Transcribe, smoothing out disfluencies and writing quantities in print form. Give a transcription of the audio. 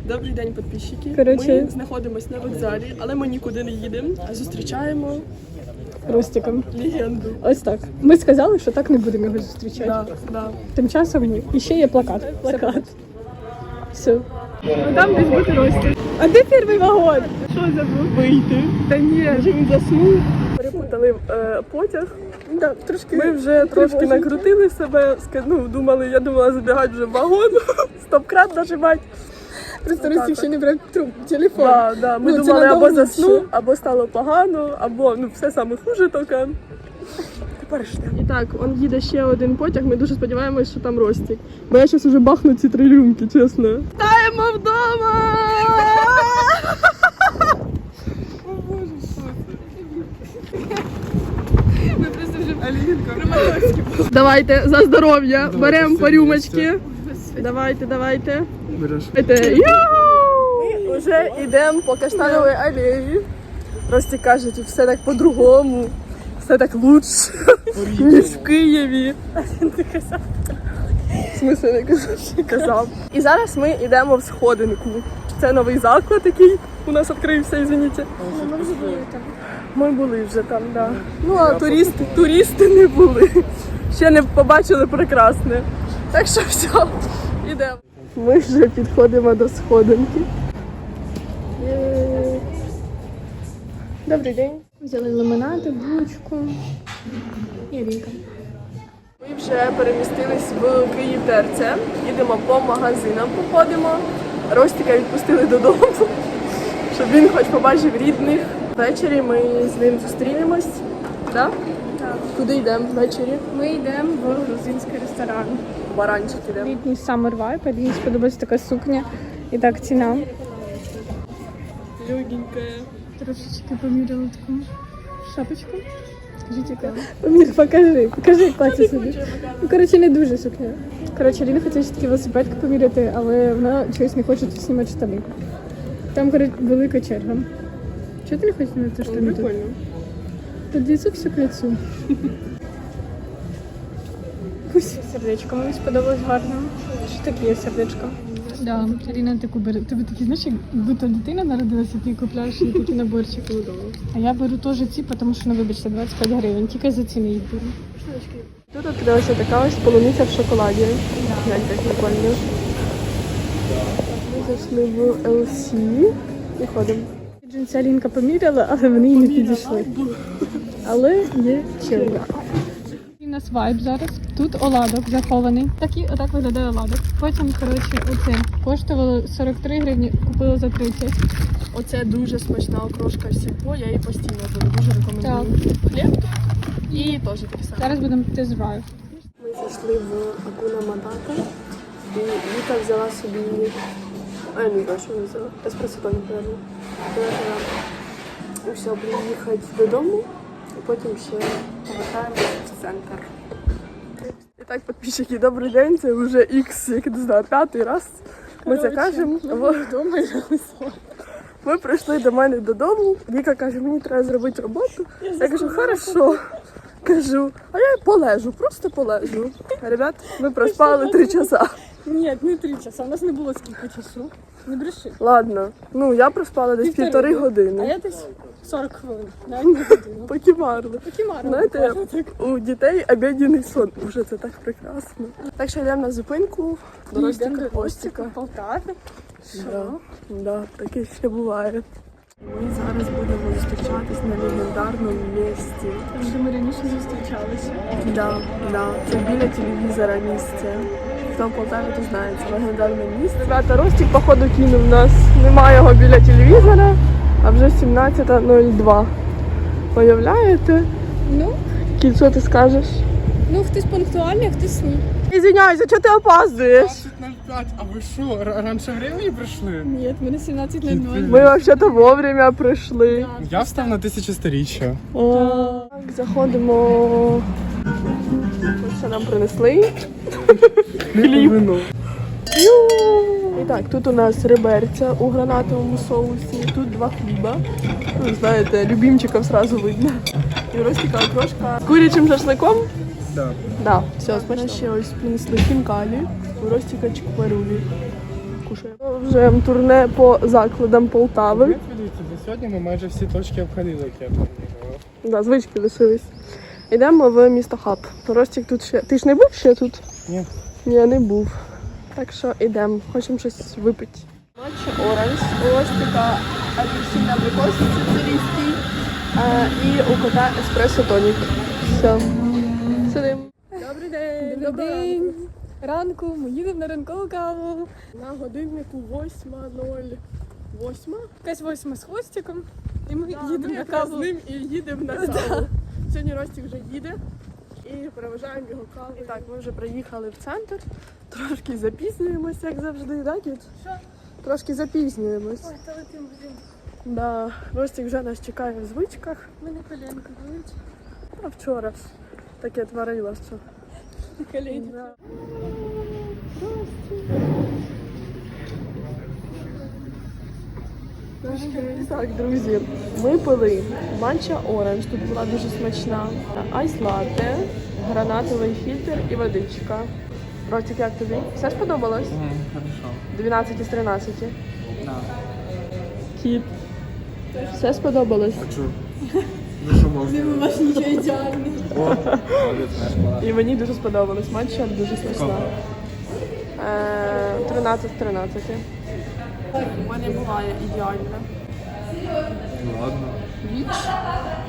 Добрий день, підписчики. Короче... Ми знаходимося на вокзалі, але ми нікуди не їдемо, а зустрічаємо Ростиком. легенду. Ось так. Ми сказали, що так не будемо його зустрічати. Да. Тим часом ні. І ще є плакат. Плакат. Все. А там десь бути Ростик. А де перший вагон? Що забув? Вийти. Та ні. Вже він заснув. Перепутали потяг. Да, трошки. Ми вже трошки накрутили себе, я думала забігати вже в вагон, стоп-крат нажимати. Просто Ростик ще не брав телефон. Да. Ми Ну, думали, або надовго заснув, ще. або стало погано, або все саме хуже тільки. Тепер ждемо. І так, он їде ще один потяг, ми дуже сподіваємось, що там Ростик. Бо я зараз уже бахну ці 3 рюмки, чесно. Вітаємо вдома! Ми просто вже Краматорські. Давайте, за здоров'я, беремо по рюмочки. Давайте. Береш. Ми вже йдемо по Каштановій алеї. Ростик каже, тут все так по-другому, все так лучше, ніж в Києві. В смысле не казав. І зараз ми йдемо в сходинку. Це новий заклад, який у нас відкрився, извините. Ми вже були там. Ми були вже там, да. Ну а туристи не були. Ще не побачили прекрасне. Так що все, йдемо. Ми вже підходимо до сходинки. Добрий день. Взяли лимонади, булочку і ріка. Ми вже перемістились в Київ ТРЦ. Їдемо по магазинам, походимо. Ростика відпустили додому, щоб він хоч побачив рідних. Ввечері ми з ним зустрінемось. Да? Так. Куди йдемо ввечері? Ми йдемо в грузинський ресторан. В Баранчик йдемо. Літній summer vibe, мені сподобається така сукня. І так ціна. Легенька. Трошечки поміряла таку шапочку. Скажіть, яка? Покажи, як плаття собі. Ну, коротше, не дуже сукня. Коротше, Ліна хотіла ще такі велосипедки поміряти, але вона чогось не хоче тут знімати штани. Там, коротше, велика черга. Чого ти не хочеш знімати штани тут? Прикольно. Тут лицо все к лицу. Сердечко мені сподобалось гарно. Що таке сердечко? Да, Аліна таку бере. Тобі такі, знаєш, як будто дитина народилася, ти купляєш їй такі наборчики. А я беру теж ці, тому що, ну, вибачте, 25 гривень. Тільки за ціни їх беру. Тут відкрилася така ось полуниця в шоколаді. Глянь, як прикольно. Ми зайшли в LC і ходимо. Джинси Алінка поміряла, але вони їй не підійшли. Але є черга. У нас вайб зараз. Тут оладок захований. Отак виглядає оладок. Потім, коротше, оце коштувало 43 гривні, купила за 30. Оце дуже смачна окрошка сільпо, я її постійно беру, дуже рекомендую. Хліб тут і теж таке саме. Зараз будемо тест-драйв. Ми зайшли в Акуна Матата і Віка взяла собі, я не знаю, що вона взяла, еспресо-тоні, напевно. І все, будемо їхати додому, і потім ще повертаємося в центр. І так, підписчики, добрий день, це вже X, як не знаю, 5-й раз. Ми це кажемо. Вдома Ми прийшли до мене додому, Віка каже, мені треба зробити роботу. Я кажу, хорошо. Кажу, а я полежу, просто полежу. Ребят, ми проспали 3 часа. Ні, не 3 часа, у нас не було скільки часу. Не бреши. Ладно, ну я проспала десь 1,5 години. А я десь 40 хвилин, навіть не годину. Покімарли. Покімарно. Знаєте, у дітей обідній сон. Уже це так прекрасно. Так що йдемо на зупинку до Ростика Костика. Полтаві. Да, таке ще буває. Ми зараз будемо зустрічатись на легендарному місці. Вже ми раніше зустрічалися. Да. Це біля телевізора місце. Хто в Полтаві, то знає, це легендарне місце. Ребята, Ростик, походу, кинув нас. Немає його біля телевізора, а вже 17:02. Уявляєте? Ну, Кільцо ти скажеш? хтось пунктуальний, а хтось ні. Извиняйся, чого ти опаздуєш? 20:05, а ви що, раніше времени прийшли? Ні, в мене 17:00. Ми взагалі-то вовремя прийшли. Я встав на 1000-сторіччя. Так, заходимо. Ось що нам принесли. Хліб. І так, тут у нас реберця у гранатовому соусі, тут 2 хліба. Ну, знаєте, любимчиков сразу видно. І Ростика окрошка з курячим шашликом. Так. Да, все, смачно. Ще ось принесли хінкалі, у Ростика чикварулі. кушаємо. Вже турне по закладам Полтави. Дивіться, за сьогодні ми майже всі точки обходили, як я пам'ятаю. Да, звички лишились. Йдемо в місто Хаб. Ростик тут ще. Ти ж не був ще тут? Ні. Ні, не був. Так що йдемо, хочемо щось випити. Матча оранж, у Ростика апельсин абрикос сицилійський і у кота еспресо тонік. Все. Сидимо. Добрий день. Добрий день. Ранку ми їдемо на ранкову каву. На годиннику 8:08. Якась 8 з хвостиком. І ми Да, їдемо ми на якраз каву. з ним і їдемо на каву. Сьогодні Ростик вже їде і проважаємо його каву. І так, ми вже приїхали в центр. Трошки запізнюємося, як завжди, так, Кіт? Що? Трошки запізнюємось. Ой, та летим, блін. Да, Ростик вже нас чекає в звичках. Мене коленка болить. А вчора ж таке творилося. Колені. Да. Так, друзі, ми пили манча оранж, тут була дуже смачна, айс латте, гранатовий фільтр і водичка. Ростик, як тобі? Все сподобалось? Хорошо. 12 із 13. Да. Кіт. Все сподобалось. Хочу. Ну що можна? Ваш нічого ідеальний. О, 13. І мені дуже сподобалось. Манча дуже смачна. 13 з 13. У мене буває ідеально. Ну ладно. Віч.